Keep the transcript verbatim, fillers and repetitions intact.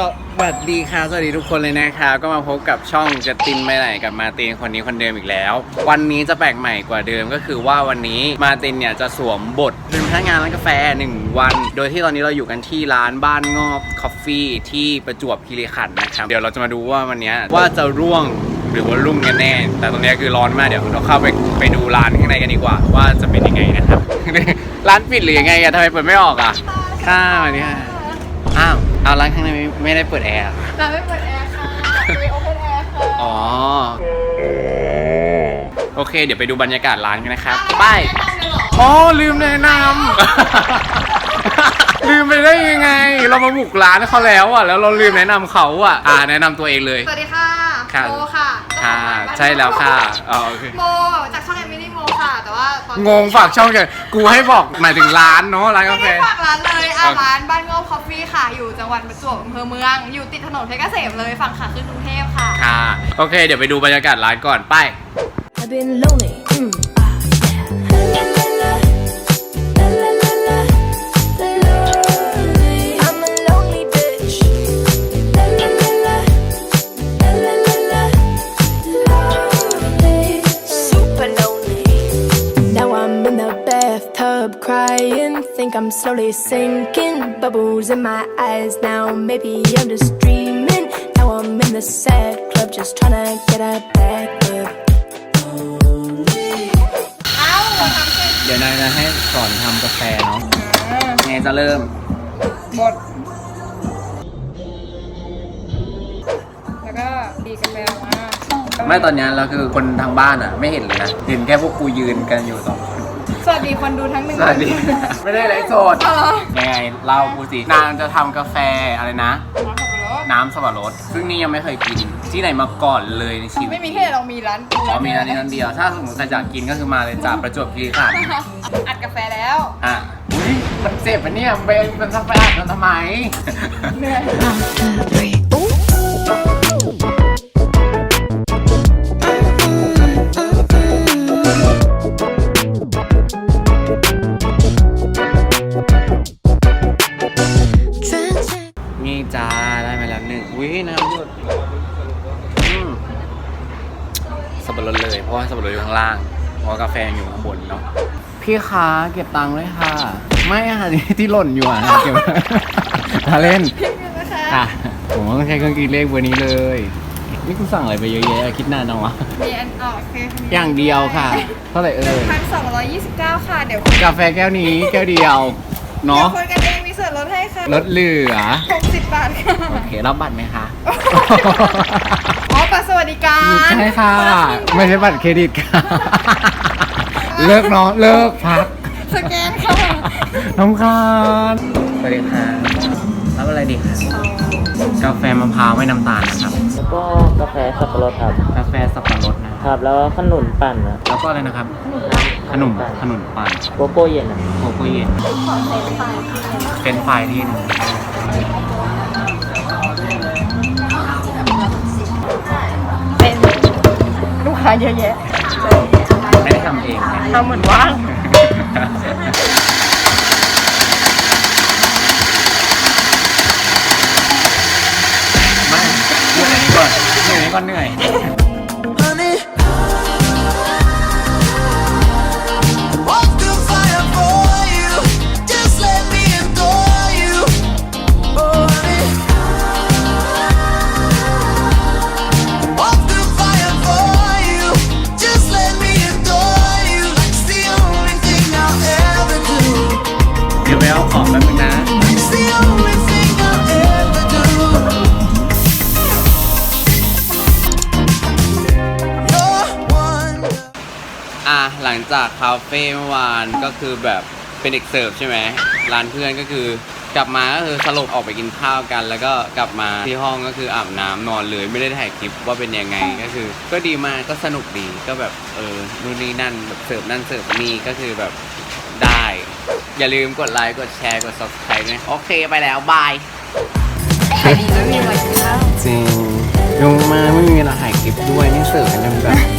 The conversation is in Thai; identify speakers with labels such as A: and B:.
A: วัสดีค่ะสวัสดีทุกคนเลยนะครับก็มาพบกับช่องจะตินไปไหนกับมาตินคนนี้คนเดิมอีกแล้ววันนี้จะแปลกใหม่กว่าเดิมก็คือว่าวันนี้มาตินเนี่ยจะสวมบทเป็นพนักงานร้านกาแฟหนึ่งวันโดยที่ตอนนี้เราอยู่กันที่ร้านบ้านงอบคอฟฟี่ที่ประจวบคีรีขันธ์นะครับเดี๋ยวเราจะมาดูว่าวันนี้ว่าจะร่วงหรือว่ารุ่งกันแน่แต่ตรงนี้คือร้อนมากเดี๋ยวเราเข้าไปไปดูร้านข้างในกันดีกว่าว่าจะเป็นยังไงนะครับ ร้านปิดหรือยังไงอะทำไมเปิดไม่ออกอะค่ะวันนี้อ้าวเอาร้านข้างในไม่ไม่ได้เปิดแอร์
B: ร้านไม่เปิดแอร์ค่ะไม่โอเพนแอร์ค่ะ
A: อ๋อโอเคเดี๋ยวไปดูบรรยากาศร้านกันนะครับไปอ๋อลืมแนะนำลืมไปได้ยังไงเรามาบุกร้านเขาแล้วอ่ะแล้วเราลืมแนะนำเขาอ่ะอ่าแนะนำตัวเองเลย
B: สวัสดีค่ะโมค่ะ
A: ค่ะใช่แล้วค่ะอ๋อโอเค
B: โมจากช่องเอมิลี่โมค่ะแต่ว่าง
A: งฝากช่องกันกูให้บอกหมายถึงร้านเนาะร้านกาแฟ
B: ไม่ได้ฝากร้านเลยอ่ะร้านบ้านงอบคอฟฟี่ค่ะอยู่จังหวัดประจวบอำเภอเมืองอยู่ติดถนนเพชรเกษมเลยฝั่งขาขึ้นกรุงเทพค่ะ
A: ค่ะโอเคเดี๋ยวไปดูบรรยากาศร้านก่อนไป
C: Crying, think I'm slowly sinking. Bubbles in my eyes now. Maybe I'm just dreaming. Now I'm in the sad club, just trying to get a back up.
A: เดี๋ยวนายจะให้สอนทำกาแฟเนาะไงจะเริ่ม
B: บดแล้วก็ดีกาแฟมา
A: ไม่ตอนนี้เราคือคนทางบ้านอ่ะไม่เห็นเลยนะเห็นแค่พวกกูยืนกันอยู่สองคน
B: สวัสดีคนดูทั้งหนึ่ง
A: สวัสดีไม่ได้ไลฟ์สดยังไงเล่ากูสินางจะทำกาแฟอะไรนะน้ำสับปะรดซึ่งนี่ยังไม่เคยกินที่ไหนมาก่อนเลยในชีวิต
B: ไม่มีที่เรามีร้าน
A: อ๋อมีร้านนี้ร้านเดียวถ้าสมมติใครอยากกินก็คือมาเลยจากประจวบคีรีขันธ์
B: อัดกาแฟแล้ว
A: อ่ะอุ้ยมันเจ็บปะเนี่ยเบนมันทำไปอัดมันทำไมเหนื่อยนี่จ้าได้มาแล้วหนึ่งอุ้ยน้ำหยดสับปะรดเลยเพราะว่าสับปะรดอยู่ข้างล่างเพราะกาแฟอยู่ข้างบนเนาะพี่คะเก็บตังค์เลยค่ะไม่ค่ะที่หล่นอยู่อ่ะเก็บถ้าเล่นอ่ะผมต้องใช้เครื่องคิดเลขเบอร์นี้เลยนี่กูสั่งอะไรไปเยอะแยะคิดนานจังวะ
B: มีอันออกเค
A: อย่างเดียวค่ะเท่าไหร่เอ่ย
B: พันสองร้อยยี่สิบเก้าค่ะเดี๋ยว
A: กาแฟแก้วนี้แก้วเดียวเนาะ
B: คนกันเองมีส่วนลดให้ค่ะ
A: ลดเหลือ
B: หกสิบบาทค่ะ
A: โอเครับบัตรไหมคะ
B: อ๋อบัตรสวัสดิการ
A: ใช่ค่ะไม่ใช่บัตรเครดิตค่ะเลิกเนาะเลิกพัก
B: สแกนค่ะ
A: น้องคานสวัสดีค่ะรับอะไรดีคะกาแฟมะพร้าวไม่น้ำตาลนะครับ
D: แล้วก็กาแฟสับปะรดครับ
A: กาแฟสับปะรดนะครับ
D: แล้วขนุนปั่นนะ
A: แล้วก็อะไรนะครับขนมขนมปั่น
D: โกโก้เย็นนะ
A: โกโก้เย็นเป็นไฟที่
B: เป็นลูกค้าเยอะแยะ
A: ไม่ได้ทำเอง
B: ทำเหมือนว่าง
A: ไม่เหนื่อยก่อนเหนื่อยก่อนเหนื่อยเดี๋ยวไปเอาของแป๊บนึงนะอ่ะหลังจากคาเฟ่เมื่อวานก็คือแบบเป็นเด็กเสิร์ฟใช่ไหมร้านเพื่อนก็คือกลับมาก็คือสลบออกไปกินข้าวกันแล้วก็กลับมาที่ห้องก็คืออาบน้ำนอนเลยไม่ได้ถ่ายคลิปว่าเป็นยังไงก็คือก็ดีมากก็สนุกดีก็แบบเออนู่นนี่นั่นแบบเสิร์ฟนั่นเสิร์ฟนี่ก็คือแบบได้อย่าลืมกดไลค์กดแชร์กด ซับสไครบ์ ด้วยโอเคไปแล้วบาย
B: ขายดีแล้วมีอะไรกินแล้ว
A: จริงลงมาไม่มีเวลาถ่ายคลิปด้วยนี่เสิร์ฟกันแบบ